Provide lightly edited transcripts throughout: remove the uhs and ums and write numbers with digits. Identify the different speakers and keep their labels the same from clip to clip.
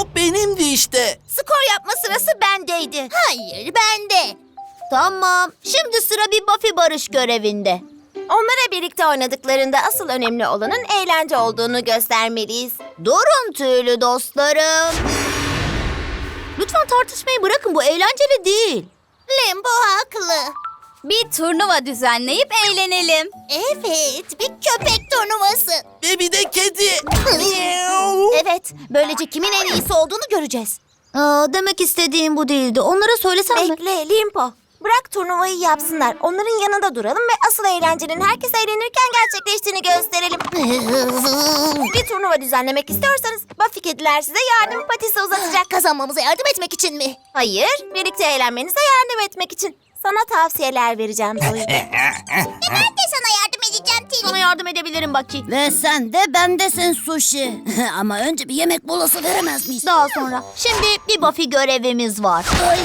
Speaker 1: top benimdi işte.
Speaker 2: Skor yapma sırası bendeydi. Hayır, bende. Tamam. Şimdi sıra bir Buffy barış görevinde.
Speaker 3: Onlara birlikte oynadıklarında asıl önemli olanın eğlence olduğunu göstermeliyiz.
Speaker 2: Durun tüylü dostlarım. Lütfen tartışmayı bırakın. Bu eğlenceli değil.
Speaker 3: Limbo haklı.
Speaker 4: Bir turnuva düzenleyip eğlenelim.
Speaker 3: Evet, bir köpek turnuvası.
Speaker 1: Ve bir de kedi.
Speaker 3: Evet, böylece kimin en iyisi olduğunu göreceğiz.
Speaker 2: Demek istediğim bu değildi. Onlara söylesem mi?
Speaker 3: Bekle Limpo. Bırak turnuvayı yapsınlar. Onların yanında duralım ve asıl eğlencenin herkes eğlenirken gerçekleştiğini gösterelim. Bir turnuva düzenlemek istiyorsanız Buffy kediler size yardım patisi uzatacak.
Speaker 2: Kazanmamıza yardım etmek için mi?
Speaker 3: Hayır, birlikte eğlenmenize yardım etmek için. Sana tavsiyeler vereceğim Zoe.
Speaker 2: Ben de sana yardım edeceğim Tilly. Sana yardım edebilirim Bucky. Ve sen de bendesin Sushi. Ama önce bir yemek molası veremez miyiz? Daha sonra. Şimdi bir Buffy görevimiz var.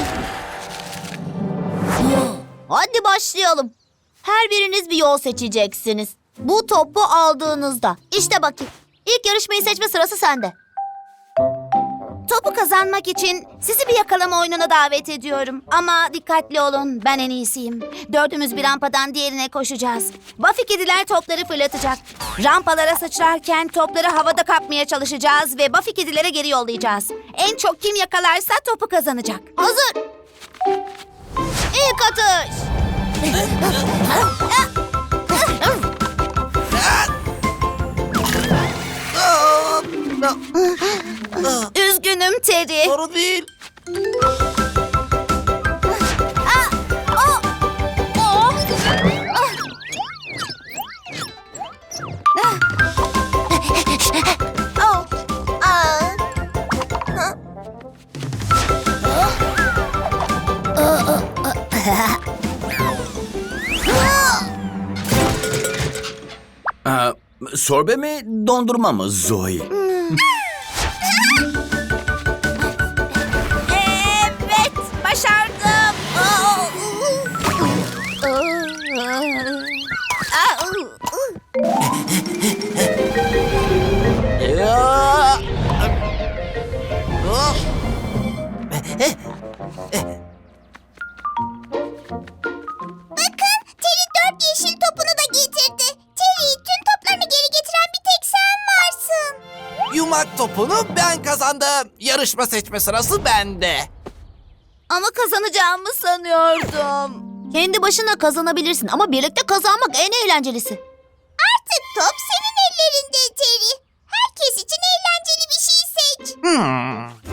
Speaker 2: Hadi başlayalım. Her biriniz bir yol seçeceksiniz. Bu topu aldığınızda. İşte Bucky. İlk yarışmayı seçme sırası sende.
Speaker 3: Topu kazanmak için sizi bir yakalama oyununa davet ediyorum. Ama dikkatli olun, ben en iyisiyim. Dördümüz bir rampadan diğerine koşacağız. Buffy kediler topları fırlatacak. Rampalara sıçrarken topları havada kapmaya çalışacağız ve Buffy kedilere geri yollayacağız. En çok kim yakalarsa topu kazanacak.
Speaker 2: Hazır. İlk atış.
Speaker 3: Üzgünüm Terry.
Speaker 1: Sorun değil.
Speaker 3: Oh. Aa.
Speaker 1: Sorbe mi, dondurma mı Zoe?
Speaker 3: Evet, başardım.
Speaker 1: Ya! Oh!
Speaker 3: Terry 4 yeşil topunu da getirdi. Terry, tüm toplarını geri getiren bir tek sen varsın.
Speaker 1: Yumak topunu ben kazandım. Yarışma seçme sırası bende.
Speaker 2: Ama kazanacağımı sanıyordum. Kendi başına kazanabilirsin ama birlikte kazanmak en eğlencelisi.
Speaker 3: Artık top senin ellerinde Terry. Herkes için eğlenceli bir şey seç.